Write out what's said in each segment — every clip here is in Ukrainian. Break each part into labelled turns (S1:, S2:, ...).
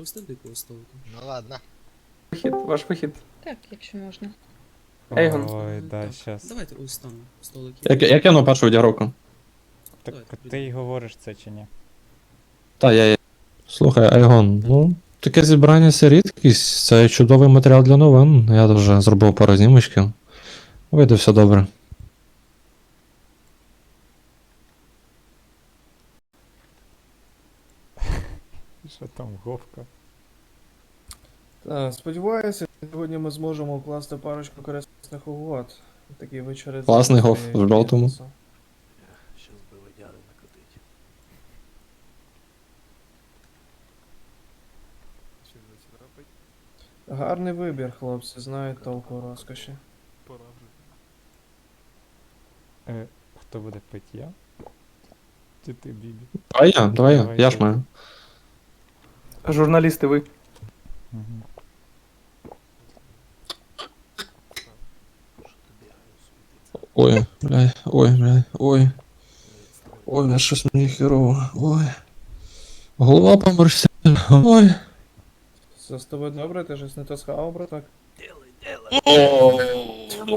S1: провести до якогось столика?
S2: Ну ладно.
S3: Вихід, ваш вихід.
S4: Так, якщо можна.
S3: Ейгон.
S5: Ой, да,
S1: Так,
S5: щас.
S1: Давайте ось там столик є.
S6: Як я на першу відігровку?
S5: Так
S1: Давайте,
S5: ти й говориш це чи ні?
S6: Та я. Слухай, Айгон, ну, таке зібрання це рідкість, це чудовий матеріал для новин. Я вже зробив пару знімочків. Вийде все добре.
S5: Що там, говка?
S3: Так, сподіваюся, сьогодні ми зможемо укласти парочку корисних угод. Такі вечори.
S6: Класний
S3: завжди
S6: гоф в жовтому.
S3: бізнесу.
S7: Сейчас бы водяры накатить. Чи не царапать?
S3: Гарний вибір, хлопці, знають толку у розкоші.
S7: Пора вже.
S5: Хто буде пити, я? Чи ти, Бібі?
S6: Давай я,
S5: Давай
S6: я ж
S5: ти.
S6: маю.
S3: Журналісти ви.
S5: Угу.
S7: Що ти бігаю, суетиться?
S6: Ой. Ой, щось мені херово. Ой. Голова померся. Ой.
S3: Все з тобою добре, ти щось не то схавав, браток?
S7: Делай, делай!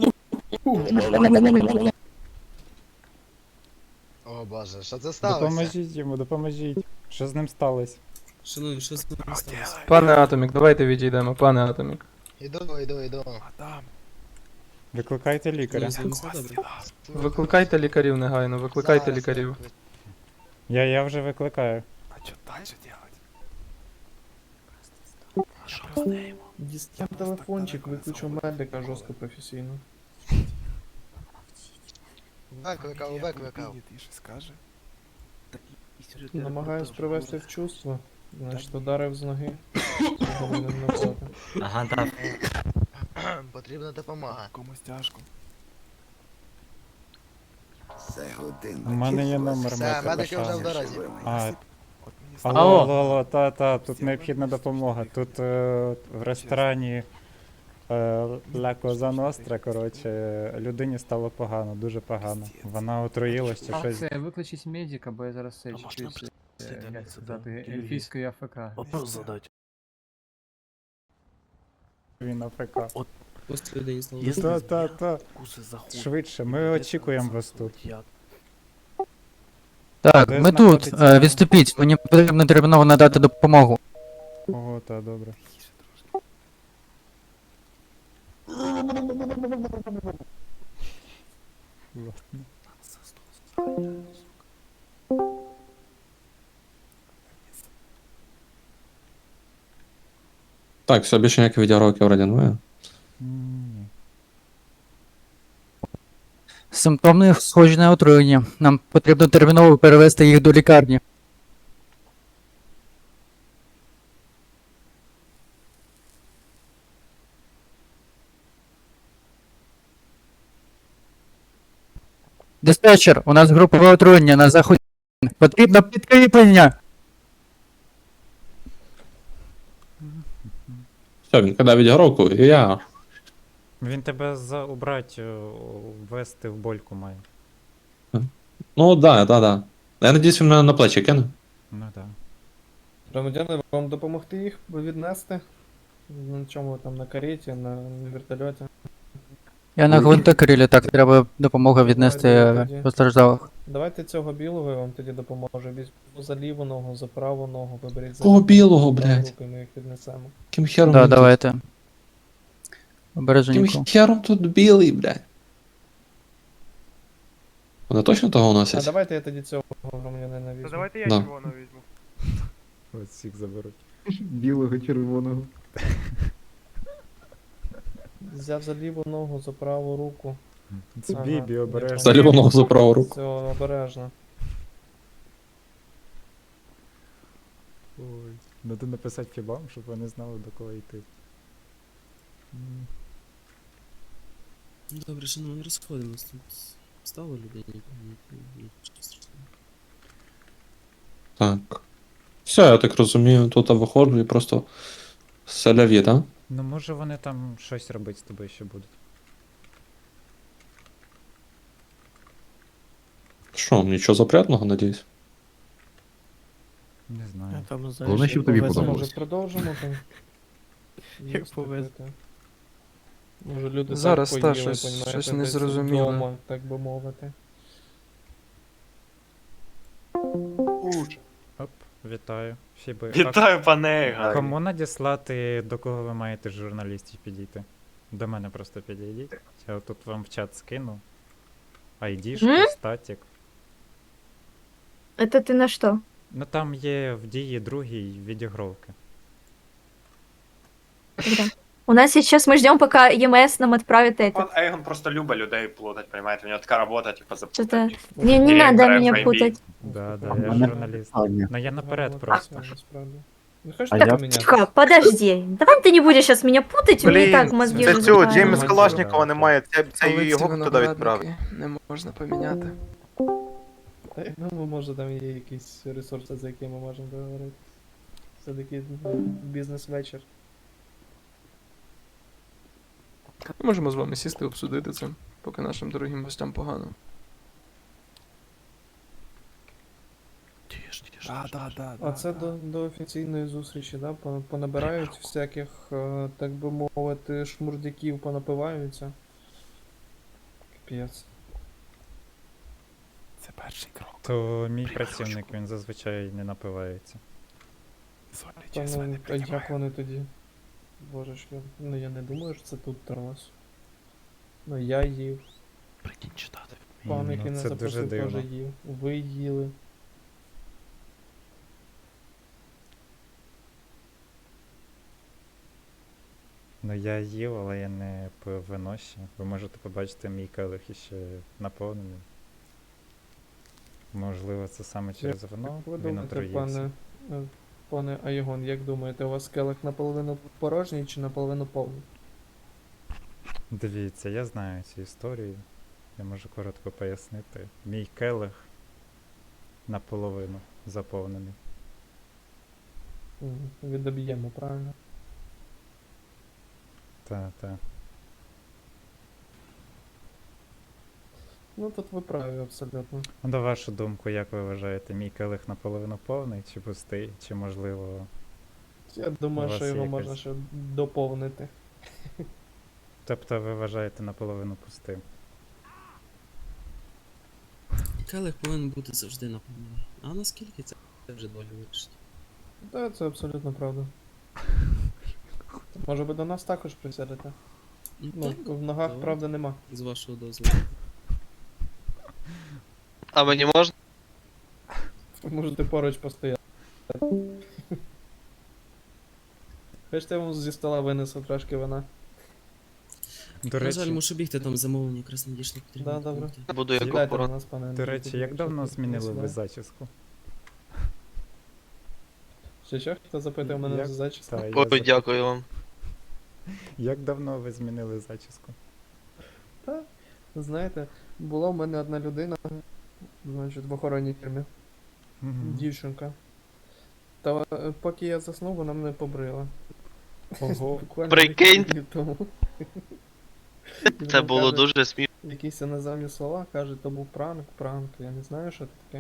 S2: О боже, що це сталося?
S5: Допоможіть йому, допоможіть. Що з ним сталося?
S1: Шановні, що з нами сталося?
S3: Пане Атомік, давайте відійдемо, пане Атомік.
S2: Іду.
S7: Мадам,
S5: Викликайте лікаря.
S1: З ним все добре?
S3: Викликайте лікарів негайно, викликайте
S2: Зараз
S3: лікарів.
S5: Я вже викликаю.
S7: а что дальше делать? А что с ним?
S3: Дістав телефончик, виключу медика жорстко професійно.
S2: Викликав.
S7: Убедит, и что скажет?
S3: Намагаюсь привести в чувство. Значить, ударив з ноги. Повинен навзати.
S8: Ага, так.
S2: Потрібна допомога.
S7: Кому стяжку?
S5: У мене є номер
S2: Все, медики вже в
S5: Микола.
S2: дорозі.
S5: А,
S7: От мені
S5: алло, та, тут необхідна допомога. Тут в ресторані Ла Коза Ностра, коротше, людині стало погано, дуже погано. Вона отруїлась чи щось.
S9: Це викличіть медика, бо я зараз це
S7: А можна
S9: чуть,
S7: просто
S9: як
S7: дивитися,
S9: сказати,
S7: да?
S9: ельфійської АФК.
S7: вопрос задать.
S5: Він АФК.
S1: Ось людині стало
S7: Если
S1: добре?
S5: Та.
S7: вкусы заходят.
S5: Швидше, ми очікуємо вас тут.
S7: Я
S8: Так,
S5: Де
S8: ми тут.
S5: знаходиться-
S8: Відступіть, мені потрібно терміново надати допомогу.
S5: Ого, та добре.
S7: тише трошки.
S5: Ладно.
S7: За стол сажать, сука.
S6: Так, все, більше ніяких відігровки вроді немає.
S5: Ні.
S8: Симптоми схожі на отруєння. Нам потрібно терміново перевести їх до лікарні. Диспетчер, у нас групове отруєння на заході. Потрібно підкріплення.
S6: Все, він кидав відігровку, і я.
S5: Він тебе убрать, ввести в больку має.
S6: Ну, да. Я надіюсь, він мене на плечі кине.
S5: Ну так.
S3: Громадяни, вам допомогти їх віднести? На чому ви там, на кареті, на вертольоті?
S8: Я на гвинтокрилі, так треба допомога віднести постраждалих.
S3: Давайте цього білого я вам тоді допоможу. Візьму за ліву ногу, за праву ногу, виберіть за
S6: Кого білого,
S3: праву
S6: блядь?
S3: руку, і ми їх віднесемо.
S6: Ким хером
S8: Да,
S6: він
S8: давайте.
S6: тут?
S8: Обереженько.
S6: Ким хером тут білий, блядь? Вони точно того
S3: А
S6: носять?
S3: давайте я тоді цього громадянина візьму.
S10: Давайте я
S6: Да.
S10: червоного візьму.
S5: Ось всіх заберуть.
S3: Білого, червоного. Взяв за ліву ногу, за праву руку.
S5: Це
S3: Ага,
S5: Бібі
S3: я
S5: обережно.
S6: За ліву ногу за праву руку.
S3: Все, обережно.
S5: Ой. Надо написати фібам, щоб вони знали, до кого йти.
S1: Ну, добре, шановні, розходимось тут. Стало людині. Нічого страшного.
S6: Так. Все, я так розумію, тут я виходжу і просто селяві, так?
S5: Ну може вони там щось робити з тобою ще будуть.
S6: Що, нічого запрятного, надіюсь?
S5: Не знаю.
S7: Там, знаєш,
S4: Головне, щоб тобі
S3: Може
S4: подобалось.
S3: продовжимо там?
S7: Як
S3: Їсти,
S7: повезло.
S3: пити. Може люди
S10: Зараз,
S3: так
S10: та,
S3: поїли,
S10: щось-
S3: понімаєте,
S10: щось
S3: десь
S10: незрозуміле.
S3: вдома, так би мовити.
S5: Оп, вітаю. Фіби.
S10: Вітаю, пане
S5: А
S10: Еган.
S5: кому надіслати, до кого ви маєте з журналістів підійти? До мене просто підійдіть. Я тут вам в чат скину. Айдішку, статік.
S11: Это ты на что?
S5: Ну там є в дії другій відігровки.
S11: Когда? У нас сейчас мы ждем, пока ЕМС нам отправит это.
S10: Пан Ейгон просто любить людей плутать, понимаете? У нього така робота, типу,
S11: Что-то...
S10: запутать.
S11: Не
S10: Директор
S11: надо меня
S10: FIB.
S11: путать.
S5: Да, да,
S4: А
S5: я
S4: мене
S5: журналіст.
S4: питання.
S5: Ну я наперед
S3: Гарно
S5: просто.
S3: працює, насправді. Не хочеш
S4: А
S3: так
S4: я-
S3: поміняти?
S11: Тихо, подожди. Давай ты не будешь сейчас меня путать, у меня и так мозги
S5: це
S11: уже
S5: цього,
S11: взрываются.
S5: Джеймс Калашнікова немає,
S10: це
S9: його туди відправив. Не можна поміняти.
S3: Та я думаю, може там є якісь ресурси, за які ми можемо договорити. Все-таки бізнес-вечір.
S9: Можемо з вами сісти і обсудити це, поки нашим дорогим гостям погано.
S7: Тіш, тіш.
S3: А це до офіційної зустрічі, да? Понабирають всяких, так би мовити, шмурдяків, понапиваються. Капець.
S7: Це перший крок.
S5: То мій працівник, він зазвичай не напивається.
S3: Та ну, а як вони тоді? Божечки, ну я не думаю, що це тут трос. Ну я їв,
S7: Прикинь читати.
S3: пан,
S5: Ну,
S3: який не
S5: це дуже
S3: запросив, теж
S5: дивно.
S3: їв. Ви їли.
S5: Ну я їв, але я не пив вино ще. Ви можете побачити мій келих іще наповнений. Можливо, це саме через вино.
S3: Як ви
S5: Він
S3: думаєте,
S5: отруївся.
S3: пане Айгон, як думаєте, у вас келих наполовину порожній чи наполовину повний?
S5: Дивіться, я знаю цю історію. Я можу коротко пояснити. Мій келих наполовину заповнений.
S3: Відоб'ємо, правильно?
S5: Та.
S3: Ну тут ви праві абсолютно.
S5: Ну, на вашу думку, як ви вважаєте, мій келих наполовину повний чи пустий, чи можливо.
S3: Я думаю,
S5: У вас
S3: що його
S5: якась-
S3: можна ще доповнити.
S5: Тобто ви вважаєте наполовину пустим.
S1: Келих повинен бути завжди наповнений. А наскільки це вже доля вирішить.
S3: Так, це абсолютно правда. Може ви до нас також присядете? Ну,
S1: так,
S3: в ногах,
S1: добре.
S3: правда, нема.
S1: З вашого дозволу.
S10: А мені можна?
S3: Ви можете поруч постояти. Хочете, я вам зі стола винесу трошки вина.
S5: До
S1: На жаль,
S5: речі,
S1: мушу бігти, там замовлення якраз надійшло, потрібно
S3: Да, добре.
S1: допомогти.
S10: Буду як
S3: Сідайте
S10: опора.
S3: до нас, пане
S5: до
S3: Андрій,
S5: речі,
S3: тоді,
S5: як
S3: якщо
S5: давно
S3: тут
S5: змінили ви
S3: не
S5: зачіску?
S3: Що, хто запитує мене
S5: Як-
S3: за зачіску?
S5: Та, я
S10: Ой,
S5: запитав.
S10: дякую вам.
S5: Як давно ви змінили зачіску?
S3: Знаєте, була в мене одна людина, значить, в охоронній фірмі.
S5: Мгм.
S3: Дівчинка. Та поки я заснув, вона мене побрила.
S5: Ого.
S3: Буквально
S10: Прикинь.
S3: декілька днів тому. І
S10: Це
S3: вона
S10: було
S3: каже,
S10: дуже смішно.
S3: якісь іноземні слова, каже, то був пранк, я не знаю, що це таке.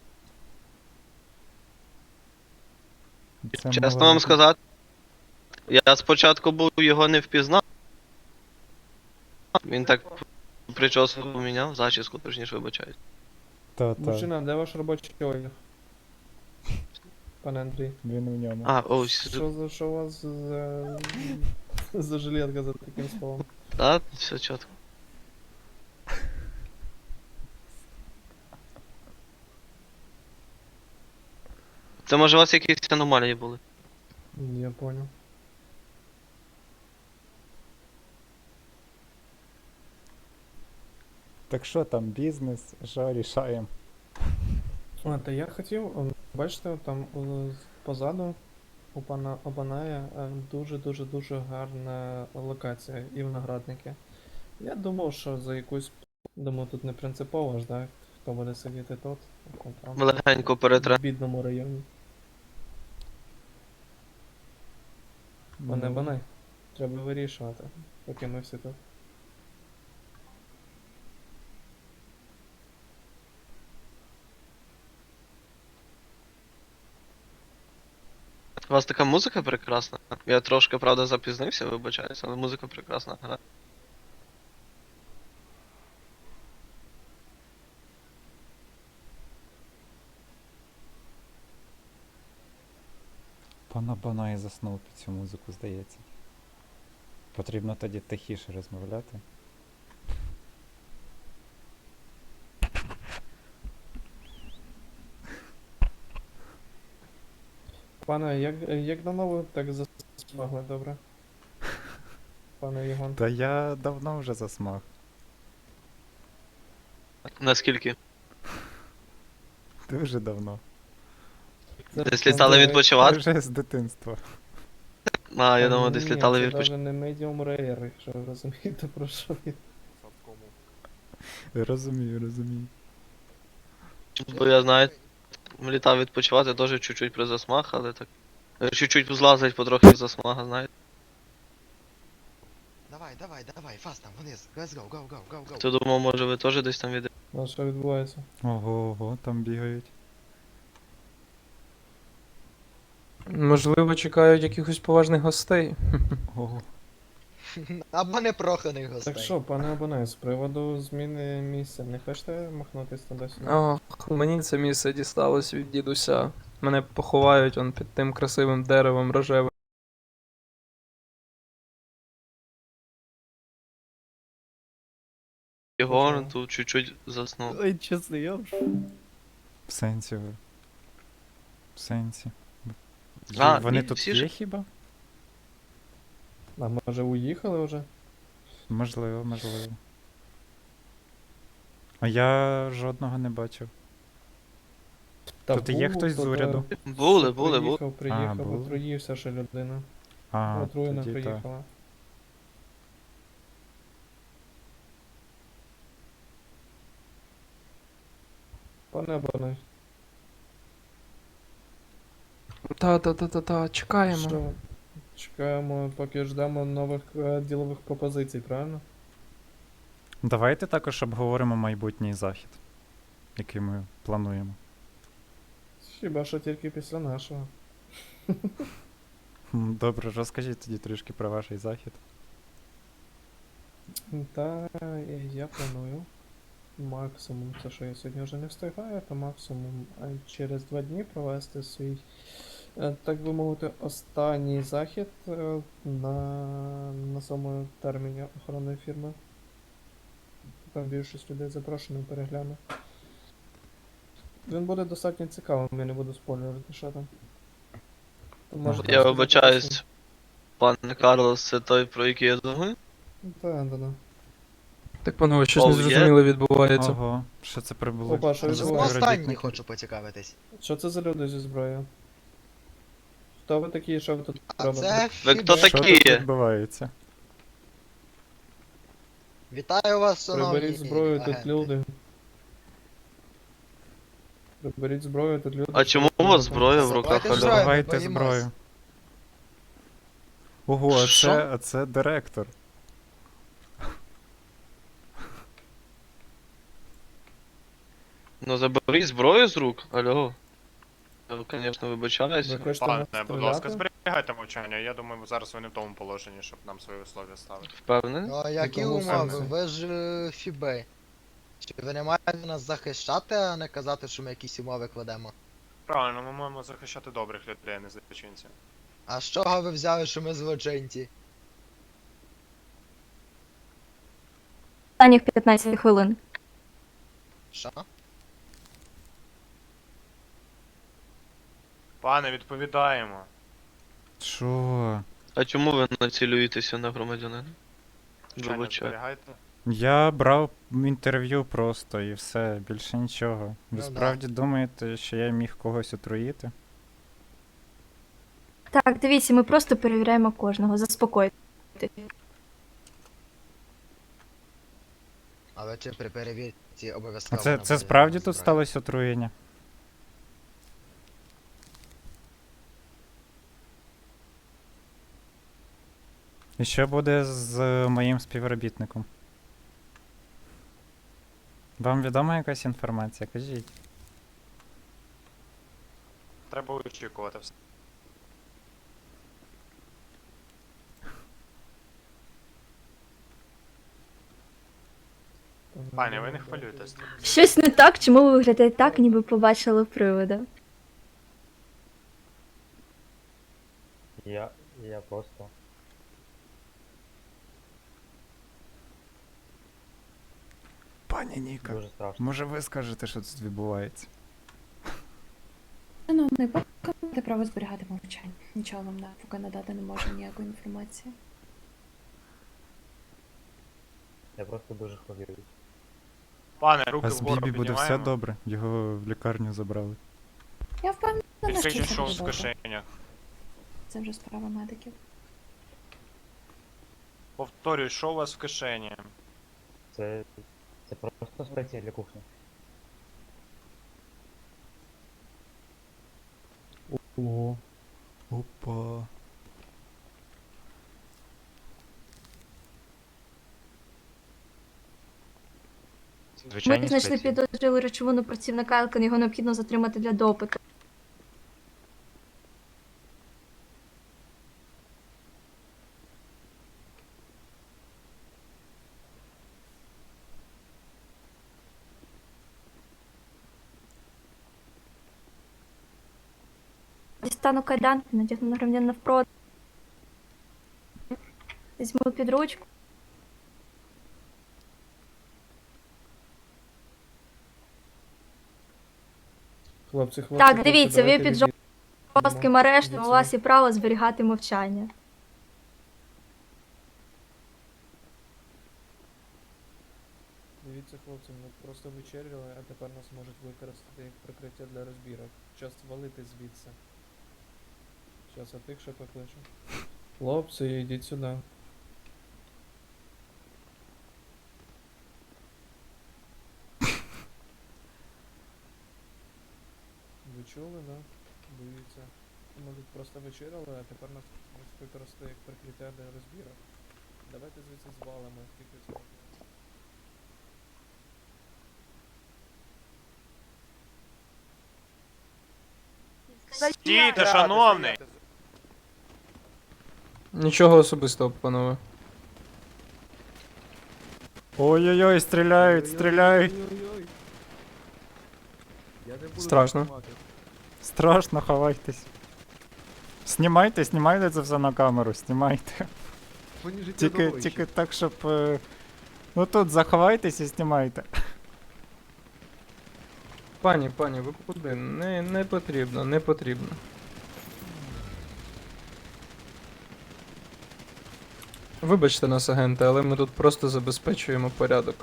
S5: Це
S10: Чесно
S5: мало-
S10: вам сказати, я спочатку був його не впізнав. Він так прическу поміняв, зачіску, точніше вибачаюсь.
S5: Та.
S3: Мужчина, де ваш робочий одяг? Пане Андрій.
S5: Він у ньому.
S10: А, ось,
S3: Що у вас за жилетка за таким словом?
S10: так, все чітко. Це може у вас якісь аномалії були?
S3: Я понял.
S5: Так що там, бізнес, що рішаємо?
S3: А, та я хотів, бачите, там позаду у пана Обаная дуже-дуже-дуже гарна локація і виноградники. Я думав, що за якусь, думаю, тут не принципово ж, так? Хто буде сидіти тут, там,
S10: Ми легенько
S3: в
S10: перетре.
S3: бідному районі. Пане Обанай, треба вирішувати, поки ми всі тут.
S10: У вас така музика прекрасна. Я трошки, правда, запізнився, вибачаюсь, але музика прекрасна грає.
S5: Пана Банай заснув під цю музику, здається. Потрібно тоді тихіше розмовляти.
S3: Пане, як давно ви так засмагли, добре? Пане Єгон.
S5: Та я давно вже засмаг.
S10: Наскільки?
S5: Дуже давно.
S10: Десь літали відпочивати?
S5: Вже з дитинства.
S10: А, я думаю, десь літали
S3: Це
S10: відпочивати.
S3: навіть не medium rare, якщо ви розумієте, про що я.
S5: Розумію.
S10: Бо я знаю, літав відпочивати теж чуть-чуть при засмаг, але так. Чуть-чуть злазить потрохи з засмага, знаєте.
S2: Давай, фастом, вниз. Let's go.
S10: То думав, може ви теж десь там від...
S3: А що відбувається?
S5: Ого, там бігають.
S9: Можливо, чекають якихось поважних гостей.
S5: Ого.
S2: Або непроханих гостей.
S3: Так що, пане Абонай, з приводу зміни місця, не хочете махнутись туди-сюди?
S9: Ох, мені це місце дісталось від дідуся. Мене поховають он під тим красивим деревом рожевим.
S10: Єгор тут чуть-чуть заснув.
S1: Ой, чесно, я
S5: В сенсі ви. В сенсі.
S10: А,
S5: Вони
S10: ні,
S5: тут
S10: всі ж-
S5: є хіба?
S3: А може уїхали вже?
S5: Можливо. А я жодного не бачив.
S3: Та
S5: Тут є
S3: був,
S5: хтось з
S3: тут,
S5: уряду?
S10: Були.
S3: Приїхав,
S5: були.
S3: отруївся ще людина.
S5: А,
S3: Отруєна
S5: тоді так.
S3: приїхала. Пане Абонай,
S9: Та, чекаємо.
S3: що? Чекаємо, поки ждемо нових ділових пропозицій, правильно?
S5: Давайте також обговоримо майбутній захід, який ми плануємо.
S3: Хіба що тільки після нашого.
S5: Добре, розкажіть тоді трішки про ваш захід.
S3: Та я планую максимум, це що я сьогодні вже не встигаю, то максимум через 2 дні провести свій, так би мовити, останній захід на самому терміні охоронної фірми. Там більшість людей запрошено, перегляну. Він буде достатньо цікавим, я не буду спойлерити, що там. То можете
S10: Я
S3: сказати,
S10: вибачаюсь, пане Карлос, це той, про який я думаю?
S3: Так.
S9: Так, панове, щось
S10: Оу, є?
S9: незрозуміле відбувається.
S5: Ого, що це прибуло?
S3: Опа, що
S5: за
S3: відбувається?
S2: Останній
S5: співробітники?
S2: хочу поцікавитись.
S3: Що це за люди зі зброєю? Хто ви такі, що ви тут
S2: А
S3: робите?
S2: це
S10: Ви хто
S2: Фібе.
S5: Що
S10: такі?
S5: тут відбувається?
S2: Вітаю вас, шановні
S3: Приберіть зброю, тут
S2: агенти.
S3: люди. Приберіть зброю, тут люди.
S10: А чому у вас зброя в руках,
S2: Давайте
S10: алло?
S2: зброю.
S5: Давайте
S2: боїмось.
S5: зброю. Ого,
S10: Що?
S5: а це директор.
S10: Ну заберіть зброю з рук, алло. Я, звісно, вибачаюсь.
S3: Ви хочете
S4: Пане,
S3: нас
S4: будь ласка,
S3: стріляти?
S4: зберігайте мовчання. Я думаю, зараз ви не в тому положенні, щоб нам свої вислов'я ставити.
S10: Впевнений?
S2: Ну, а які
S3: Якому
S2: умови?
S3: сенсі?
S2: Ви ж Фібе. Чи ви не маєте нас захищати, а не казати, що ми якісь умови кладемо?
S4: Правильно, ми маємо захищати добрих людей, а не злочинців.
S2: А з чого ви взяли, що ми злочинці?
S11: Останніх 15 хвилин.
S2: Що?
S4: Пане, відповідаємо.
S5: Що?
S10: А чому ви націлюєтеся на громадянина?
S4: Мовчання
S10: Вибачаю.
S4: зберігайте.
S5: Я брав інтерв'ю просто і все, більше нічого. Ви
S2: Ну да.
S5: справді думаєте, що я міг когось отруїти?
S11: Так, дивіться, ми просто перевіряємо кожного, заспокойтесь.
S2: Але чи при перевірці
S5: А
S2: обов'язково
S5: це
S2: нам буде
S5: справді тут
S2: зброя?
S5: сталося отруєння? І що буде з моїм співробітником? Вам відома якась інформація? Кажіть.
S4: Треба очікувати все. Пані, ви не хвилюйтесь.
S11: Щось не так, чому ви виглядаєте так, ніби побачили привида?
S7: Я просто.
S5: Пані Ніка,
S7: Дуже страшно.
S5: може ви скажете, що тут відбувається?
S12: Шановний, поки маєте право зберігати мовчання. Нічого вам поки надати не можу ніякої інформації.
S7: Я просто дуже хвилююсь.
S4: Пане, руки
S5: А з
S4: вгору
S5: Бібі буде все
S4: піднімаємо.
S5: добре, його в лікарню забрали.
S12: Я впевнена, що
S4: Підсвічуй,
S12: це
S4: що
S12: буде
S4: в
S12: добре.
S4: кишенях.
S12: Це вже справа медиків.
S4: Повторюю, що у вас в кишені?
S7: Це просто спеція для кухні.
S5: О, опа.
S11: Ми знайшли підозрілу речовину працівника Елкен, його необхідно затримати для допиту. Дістану кайданки, надягну на громадян навпроти. Візьму під ручку.
S3: Хлопці,
S11: Так, дивіться, ви
S3: давайте
S11: під
S3: відійдемо.
S11: жорстким арештом, у
S3: Відійдемо.
S11: вас є право зберігати мовчання.
S3: Дивіться, хлопці, ми просто вечеряли, а тепер нас можуть використати як прикриття для розбірок. Час валити звідси. Щас я тих ще покличу. Хлопці, йдіть сюди. Ви чули, да? Дивіться. Ми тут просто вечеряли, а тепер нас можуть використати як прикриття для розбірок. Давайте звідси звалимо, тільки це.
S4: Стійте, шановний!
S9: Нічого особистого, панове.
S5: Ой-ой-ой, стріляють, стріляють.
S9: Страшно.
S5: Страшно, ховайтесь. Знімайте, знімайте це все на камеру, знімайте. Тільки так, щоб. Ну тут заховайтесь і знімайте.
S9: Пані, ви куди? Не потрібно, не потрібно. Вибачте нас, агенти, але ми тут просто забезпечуємо порядок.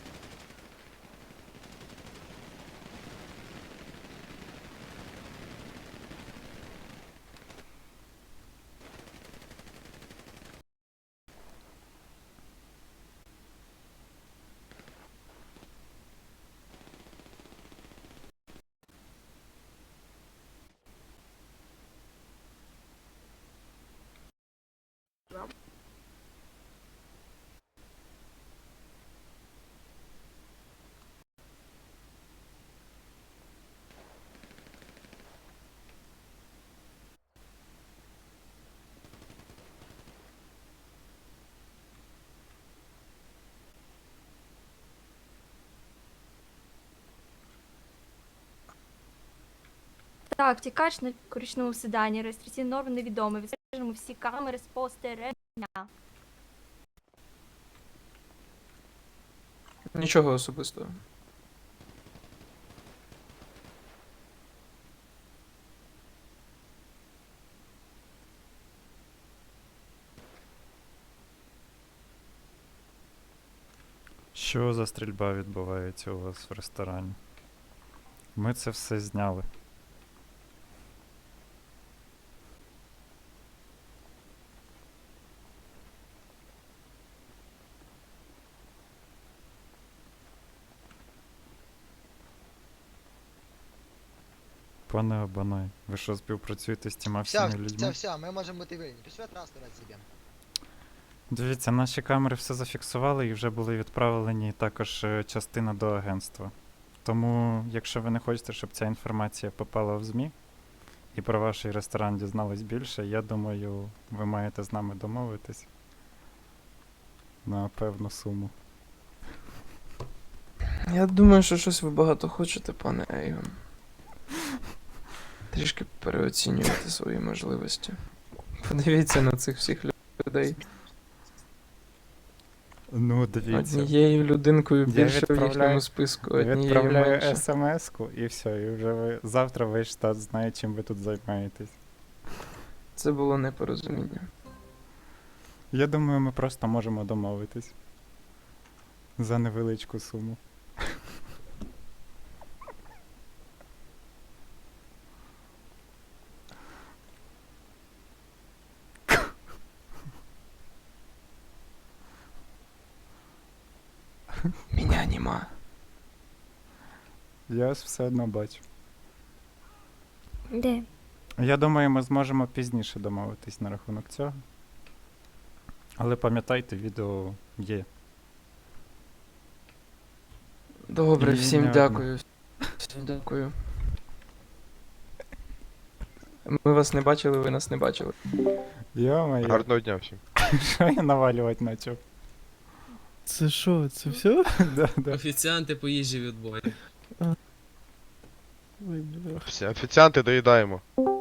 S11: Так, втікач на коричневому седані, реєстраційні норми невідомі. Відстежимо всі камери спостереження.
S9: Нічого особистого.
S5: Що за стрільба відбувається у вас в ресторані? Ми це все зняли. Пане Абанай, ви що співпрацюєте з тіма всіма людьми?
S2: Все, ми можемо бути вільні. Пішли транспорт собі.
S5: Дивіться, наші камери все зафіксували і вже були відправлені також частина до агентства. Тому, якщо ви не хочете, щоб ця інформація попала в ЗМІ і про ваш ресторан дізнались більше, я думаю, ви маєте з нами домовитись на певну суму.
S9: Я думаю, що щось ви багато хочете, пане Ейгон. Трішки переоцінюєте свої можливості. Подивіться на цих всіх людей.
S5: Ну, дивіться.
S9: Однією людинкою
S5: Я
S9: більше в
S5: відправляю-
S9: їхньому списку, однією
S5: Відправляю
S9: менше.
S5: смс-ку і все, і вже ви завтра весь штат знає, чим ви тут займаєтесь.
S9: Це було непорозуміння.
S5: Я думаю, ми просто можемо домовитись. За невеличку суму.
S9: Меня нема.
S5: Я ось все одно бачу.
S11: Де?
S5: Я думаю, ми зможемо пізніше домовитись на рахунок цього. Але пам'ятайте, відео є.
S9: Добре,
S5: І
S9: всім
S5: не
S9: дякую. Всім дякую. Ми вас не бачили, ви нас не бачили.
S5: Йо-моє,
S4: Гарного дня всім.
S5: що я навалювати почав?
S1: Це що, це все?
S5: Да.
S1: Офіціанти по їжі відбою.
S4: Всі офіціанти доїдаємо.